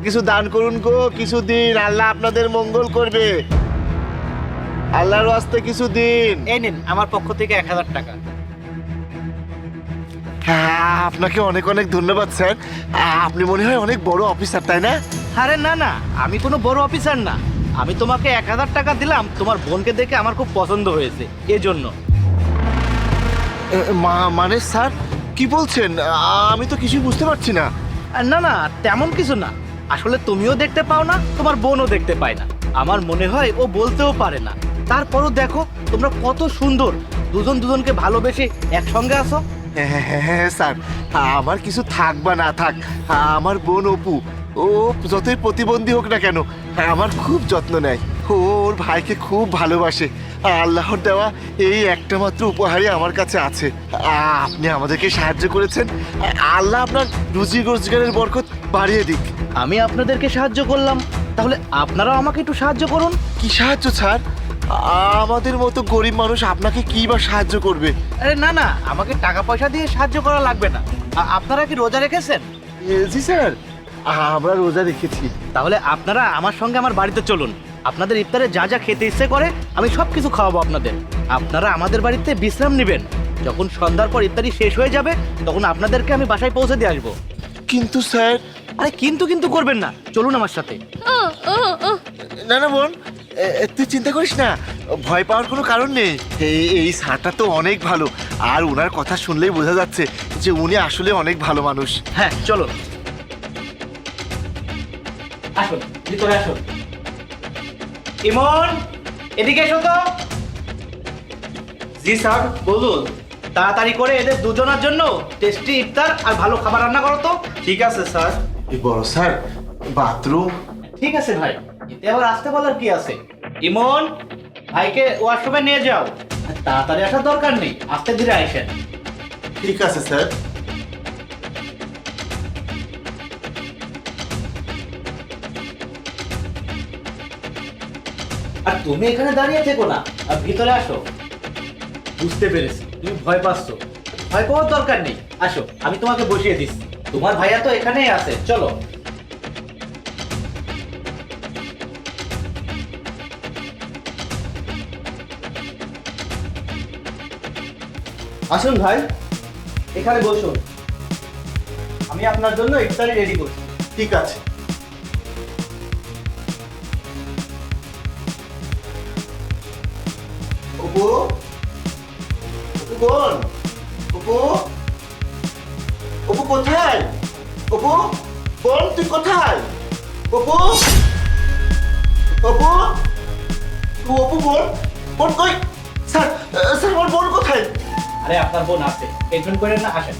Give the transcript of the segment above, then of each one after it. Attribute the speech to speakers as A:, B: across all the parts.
A: কিছু দান করুন গো, কিছু দিন, আল্লাহ আপনাদের মঙ্গল করবে। আল্লাহর ওয়াস্তে কিছু দিন।
B: এই নিন আমার পক্ষ থেকে 1000 টাকা।
A: হ্যাঁ, আপনাকে অনেক অনেক ধন্যবাদ স্যার। আপনি মনে হয় অনেক বড় অফিসার, তাই না?
B: আরে না না, আমি কোনো বড় অফিসার না। আমি তোমাকে 1000 টাকা দিলাম, তোমার বোনকে দেখে আমার খুব পছন্দ হয়েছে, এজন্য।
A: মানে স্যার কি বলছেন? আমি তো কিছুই বুঝতে পারছি না।
B: না না, তেমন কিছু না। আসলে তুমিও দেখতে পাও না, তোমার বোনও দেখতে পায় না। আমার মনে হয় ও বলতেও পারে না। তারপরও দেখো তোমরা কত সুন্দর, দুজন দুজনকে ভালোবেসে একসঙ্গে আছো।
A: হ্যাঁ হ্যাঁ হ্যাঁ স্যার, আমার কিছু থাক বা না থাক, আমার বোন অপু, ও যতই প্রতিবন্ধী হোক না কেন, আমার খুব যত্ন নেয়। ও ওর ভাইকে খুব ভালোবাসে। আল্লাহর দেওয়া এই একটা মাত্র উপহারই আমার কাছে আছে। আপনি আমাদেরকে সাহায্য করেছেন, আল্লাহ আপনার রুজি রোজগারের বরকত বাড়িয়ে দিক।
B: আমি আপনাদেরকে সাহায্য করলাম, তাহলে আপনারাও আমাকে একটু সাহায্য করুন।
A: কি সাহায্য স্যার? আমাদের মতো গরিব মানুষ আপনাকে কি বা সাহায্য করবে?
B: আরে না না, আমাকে টাকা পয়সা দিয়ে সাহায্য করা লাগবে না। আপনারা কি রোজা রেখেছেন?
A: জি স্যার, আমরা রোজা রেখেছি।
B: তাহলে আপনারা আমার সঙ্গে আমার বাড়িতে চলুন। আপনাদের ইফতারে যা যা খেতে ইচ্ছে করে আমি সব কিছু খাওয়াবো আপনাদের। আপনারা আমাদের বাড়িতে বিশ্রাম নেবেন। যখন সন্ধ্যার পর ইফতারি শেষ হয়ে যাবে তখন আপনাদেরকে আমি বাসায় পৌঁছে দিয়ে আসবো।
A: কিন্তু স্যার।
B: আরে কিন্তু কিন্তু করবেন না, চলুন আমার সাথে।
A: না না বোন, তুই চিন্তা করিস না, ভয় পাওয়ার কোনো কারণ নেই। এই স্যারটা তো অনেক ভালো, আর ওনার কথা শুনলেই বোঝা যাচ্ছে যে উনি আসলে অনেক ভালো মানুষ।
B: হ্যাঁ চলুন, আসুন ভিতরে আসুন। ইমন, এদিকে এসো তো। জি স্যার বলুন। তাড়াতাড়ি করে এদের দুজনের জন্য টেস্টি ইফতার আর ভালো খাবার রান্না করো তো। ঠিক আছে স্যার।
A: এই বড় স্যার, বাথরুম?
B: ঠিক আছে ভাই, এতে আবার আসতে বলার কি আছে। ইমন, ভাইকে ওয়াশরুমে নিয়ে যাও। আর তাড়াতাড়ি আসার দরকার নেই, আস্তে ধীরে আইসেন।
A: ঠিক আছে স্যার।
B: আর তুমি এখানে দাঁড়িয়ে থেকো না, আর ভিতরে আসো। বুঝতে পেরেছি তুমি ভয় পাচ্ছ, ভয় পাওয়ার দরকার নেই। আসো, আমি তোমাকে বসিয়ে দিচ্ছি। তোমার ভাইয়া তো এখানেই আছে, চলো। আসুন ভাই, এখানে বসুন। আমি আপনার জন্য ইফতারি রেডি করছি।
A: ঠিক আছে। অপু, অপু বোন, অপু, অপু কোথায়? অপু বোন, তুই কোথায়? অপু, অপু, অপু বোন, বোন কই? স্যার, স্যার আমার বোন কোথায়?
B: আরে আপনার বোন আছে, টেনশন করেন না, আসেন।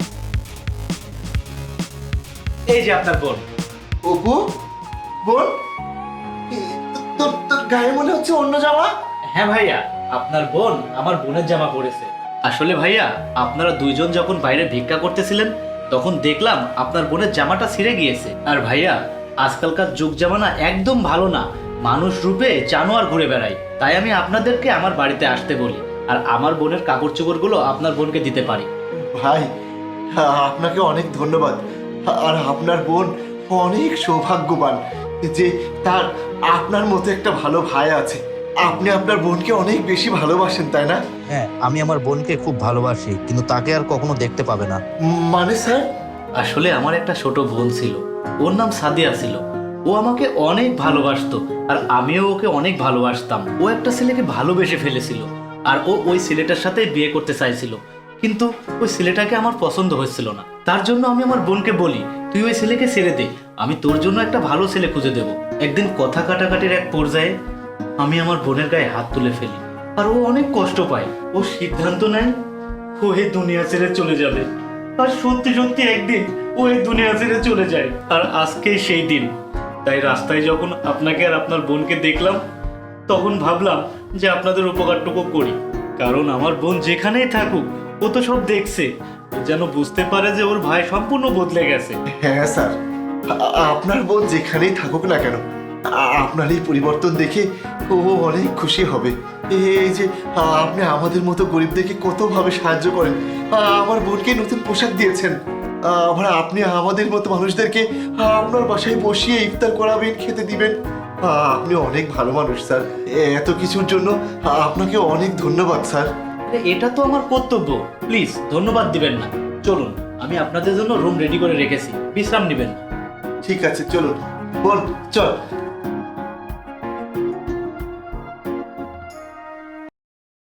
B: এই যে আপনার বোন।
A: অপু বোন, তোর তোর গায়ে মনে হচ্ছে অন্য জামা।
B: হ্যাঁ ভাইয়া, আপনার বোন আমার বোনের জামা পরেছে। আসলে ভাইয়া, আপনারা দুইজন যখন বাইরে ভিক্ষা করতেছিলেন তখন দেখলাম আপনার বোনের জামাটা ছিঁড়ে গিয়েছে। আর ভাইয়া, আজকালকার যুগ জামানা একদম ভালো না, মানুষ রূপে জানোয়ার ঘুরে বেড়ায়। তাই আমি আপনাদেরকে আমার বাড়িতে আসতে বলি, আর আমার বোনের কাপড় চোপড়গুলো আপনার বোনকে দিতে পারি।
A: ভাই, আপনাকে অনেক ধন্যবাদ। আর আপনার বোন অনেক সৌভাগ্যবান যে তার আপনার মতো একটা ভালো ভাই আছে। আপনি আপনার বোনকে অনেক বেশি ভালোবাসেন, তাই না?
C: হ্যাঁ, আমি আমার বোনকে খুব ভালোবাসি, কিন্তু তাকে আর কখনো দেখতে পাবে না।
A: মানে স্যার?
B: আসলে আমার একটা ছোট বোন ছিল, ওর নাম সাদিয়া ছিল। ও আমাকে অনেক ভালোবাসতো, আর আমিও ওকে অনেক ভালোবাসতাম। ও একটা ছেলেকে ভালোবেসে ফেলেছিল, আর ও ওই ছেলেটার সাথে বিয়ে করতে চাইছিল, কিন্তু ওই ছেলেটাকে আমার পছন্দ হচ্ছিল না। তার জন্য আমি আমার বোনকে বলি, তুই ওই ছেলেকে ছেড়ে দে, আমি তোর জন্য একটা ভালো ছেলে খুঁজে দেব। একদিন কথা কাটাকাটির এক পর্যায়ে আমি আমার বোনের গায়ে হাত তুলে ফেলি, আর ও অনেক কষ্ট পায়। ও সিদ্ধান্ত নেয় ও এই দুনিয়া ছেড়ে চলে যাবে। আর সত্যি সত্যি একদিন ও এই দুনিয়া ছেড়ে চলে যায়, আর আজকেই সেই দিন। তাই রাস্তায় যখন আপনাকে আর আপনার বোনকে দেখলাম তখন ভাবলাম যে আপনাদের উপকারটুকু করি, কারণ আমার বোন যেখানেই থাকুক ও তো সব দেখছে, ও যেন বুঝতে পারে যে ওর ভাই সম্পূর্ণ বদলে গেছে।
A: হ্যাঁ স্যার, আপনার বোন যেখানেই থাকুক না কেন, আপনার এই পরিবর্তন দেখে ও অনেক খুশি হবে। এই যে আপনি আমাদের মতো গরিবদেরকে কতভাবে সাহায্য করেন, আমার বোনকে নতুন পোশাক দিয়েছেন। আবার আপনি আমাদের মতো মানুষদেরকে আপনার বাসায় বসিয়ে ইফতার করাবেন, খেতে দিবেন। আপনি অনেক ভালো মানুষ স্যার। এত কিছুর জন্য আপনাকে অনেক ধন্যবাদ স্যার।
B: আরে এটা তো আমার কর্তব্য, প্লিজ ধন্যবাদ দিবেন না। চলুন, আমি আপনাদের জন্য রুম রেডি করে রেখেছি, বিশ্রাম নেবেন।
A: ঠিক আছে, চলুন বোন, চল।